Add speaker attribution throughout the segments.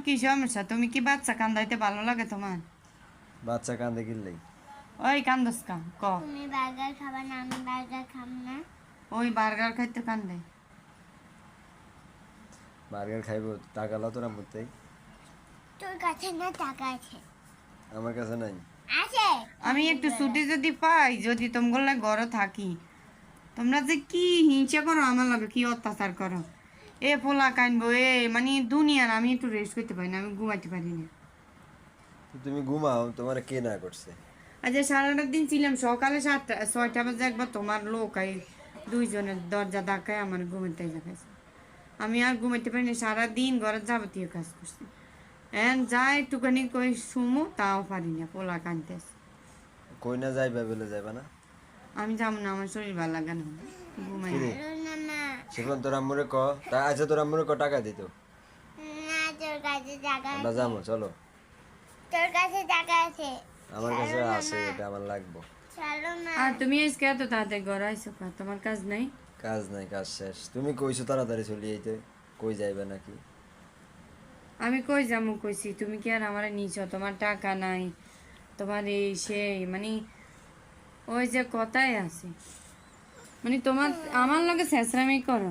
Speaker 1: কি সমস্যা? তুমি কি বাচ্চা কান্দাইতে ভালো লাগে তোমার?
Speaker 2: বাচ্চা কান্দে কিনলেই
Speaker 1: ওই কান্দস কা ক
Speaker 3: তুমি বার্গার খাবা না, আমি বার্গার খাব না।
Speaker 1: ওই বার্গার খাইতে কান্দে।
Speaker 2: বার্গার খাইবো, টাকা লাও তোরা মধ্যে।
Speaker 3: তোর কাছে না টাকা আছে?
Speaker 2: আমার কাছে নাই।
Speaker 3: আছে।
Speaker 1: আমি একটু ছুটি যদি পাই, যদি তোমাগুলো ঘরে থাকি, তোমরা যে কি হিংসা করো আমার লাগে, কি অত্যাচার করো। এ পোলা কানবো এ মানে দুনিয়ার, আমি একটু রেস্ট করতে পারি না, আমি ঘুমাইতে পারি না।
Speaker 2: তো তুমি ঘুমাও, তোমার কে না করছে?
Speaker 1: আজ সারাটা দিন ছিলাম, সকালে 6টা বাজে একবার তোমার লোক আই দুইজনের দরজা ধাক্কায় আমার ঘুমাইতে যাচ্ছে। আমি আর ঘুমাইতে পারি না, সারাদিন ঘরের যাবতীয় কাজ করছি। এখন যা একটুখানি কই শুমো, তাও পারি না, পোলা কানতেছে।
Speaker 2: কই না যাইবা বলে যাইবা না?
Speaker 1: আমি যাবো না, আমার শরীর ভালো লাগে না, ঘুমাই।
Speaker 2: কি রে?
Speaker 3: না না
Speaker 2: সেখন তোর আম্মুরে ক, তা আচ্ছা তোর আম্মুরে ক টাকা দিত।
Speaker 3: না, তোর কাছে টাকা
Speaker 2: আমরা
Speaker 3: আছে।
Speaker 2: যাবো, চলো।
Speaker 3: তোর কাছে টাকা আছে।
Speaker 2: আমার কাছে আছে, এটা আমার লাগবো।
Speaker 3: চলো না।
Speaker 1: আর তুমি আজকে এত তাড়াতাড়ি ঘরে আইসো কা? তোমার কাজ নাই?
Speaker 2: কাজ নাই, কাজ শেষ। তুমি কইছো তাড়াতাড়ি চলি আইতে, কই যাইবে নাকি?
Speaker 1: আমি কই যাবো কইছি, তুমি কি আর আমারে নিছো? তোমার টাকা নাই, তোমার এই সেই মানে ওই যে কথাই আছে, মানে তোমার আমার লগে শেষরামি করো।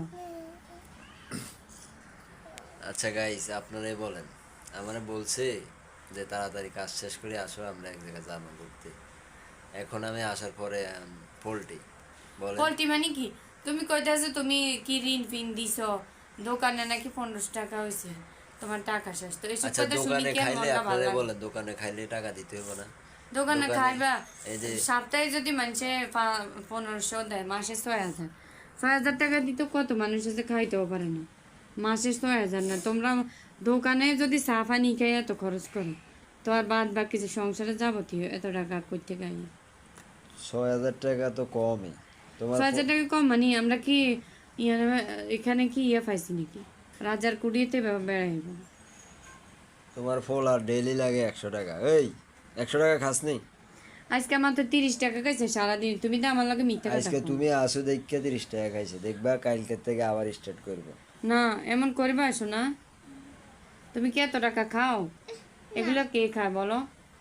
Speaker 2: আচ্ছা গাইস, আপনারাই বলেন। আমারে বলছে যে তাড়াতাড়ি কাজ শেষ করে আসো, আমরা এক জায়গায় যাবো ঘুরতে। এখন আমি আসার পরে পোল্ট্রি বলেন।
Speaker 1: পোল্ট্রি মানে কি? তুমি কইতাছো তুমি কি ঋণ ফিন দিছো, দোকানে নাকি 1500 টাকা হয়েছে, তোমার টাকা শেষ। তো এইসব
Speaker 2: আচ্ছা
Speaker 1: কথা শুনি
Speaker 2: দোকানে
Speaker 1: কি আর
Speaker 2: খাইলে
Speaker 1: মনটা ভালো
Speaker 2: আপনারা
Speaker 1: লাগে?
Speaker 2: বলেন, দোকানে খাইলে টাকা দিতে হবে না?
Speaker 1: দোকানে খাইবা,
Speaker 2: এই যে
Speaker 1: সপ্তাহে যদি মানুষে 1500 দেয়, মাসে 6000, 6000 টাকা দিতে কত মানুষ আছে খাইতেও পারে না, মাসে 6000 না। তোমরা দোকানে যদি সাফা নি খাই এত খরচ করো, তো আর বাদ বাকি যে সংসারে যাবতীয় এত টাকা করতে গাই।
Speaker 2: 6000 টাকা তো কমই তোমার।
Speaker 1: 6000 টাকা কম মানে আমরা কি এখানে কি পাইছি নাকি রাজার কুড়িয়েতে বেড়াইব?
Speaker 2: তোমার ফল আর ডেইলি লাগে 100 টাকা। এই 100 টাকা খাস নি?
Speaker 1: আজকে আমার তো 30 টাকা খাইছে সারাদিন, তুমি তো আমার লাগে মিথ্যা কথা
Speaker 2: আজকে
Speaker 1: কও।
Speaker 2: তুমি আসো দেখে 30 টাকা খাইছে, দেখবা কালকে থেকে আবার স্টার্ট করবো।
Speaker 1: না এমন করবে আসো না, তুমি কি এত টাকা খাও? এগুলো কে খায় বলো?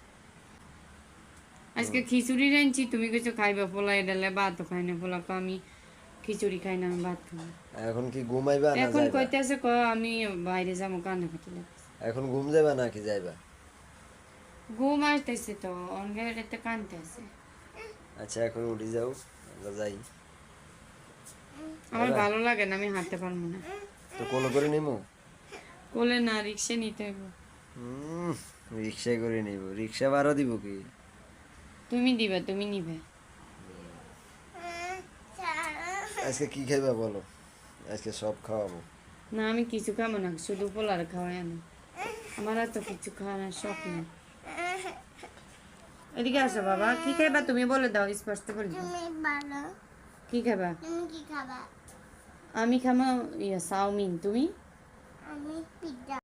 Speaker 1: আজকে খিচুড়ি রাঁধছি, তুমি কিছু খাইবা, পোলা ডালে ভাতও খাই না, পোলা কো আমি খিচুড়ি খাই না, আমি ভাত খাই না।
Speaker 2: এখন কি ঘুমাইবা না
Speaker 1: এখন
Speaker 2: যাইবা?
Speaker 1: কইতে আছে ক আমি বাইরে যাবো, কান্না কাটি লাগছে।
Speaker 2: এখন ঘুম যাইবা নাকি যাইবা?
Speaker 1: ঘুম আসতেছে তো, অনগাড়িতে কানতে আছে।
Speaker 2: আচ্ছা এখন উঠে যাও, আমরা যাই।
Speaker 1: আমার ভালো লাগে না, আমি হাঁটতে পারবো না।
Speaker 2: তো কোলো করে নিমু?
Speaker 1: কোলে না, রিক্সা নিতে হইব।
Speaker 2: রিক্সা করে নিব, রিক্সা ভাড়া দিব কি?
Speaker 1: তুমি দিবে, তুমি নিবে।
Speaker 2: আজকে কি খাইবা বলো, আজকে সব খাওয়াবো।
Speaker 1: না আমি কিছু খাবো না, শুধু পোলার খাওয়াই আমি, আমার আর তো কিছু খাওয়ানোর শখ নেই। এদিকে আসো বাবা, কি খাইবা তুমি বলে দাও, স্পষ্ট করে দাও।
Speaker 3: তুমি বলো,
Speaker 1: কি খাবা?
Speaker 3: তুমি কি খাবা?
Speaker 1: আমি খাবো চাউমিন, তুমি?
Speaker 3: আমি পিজ্জা।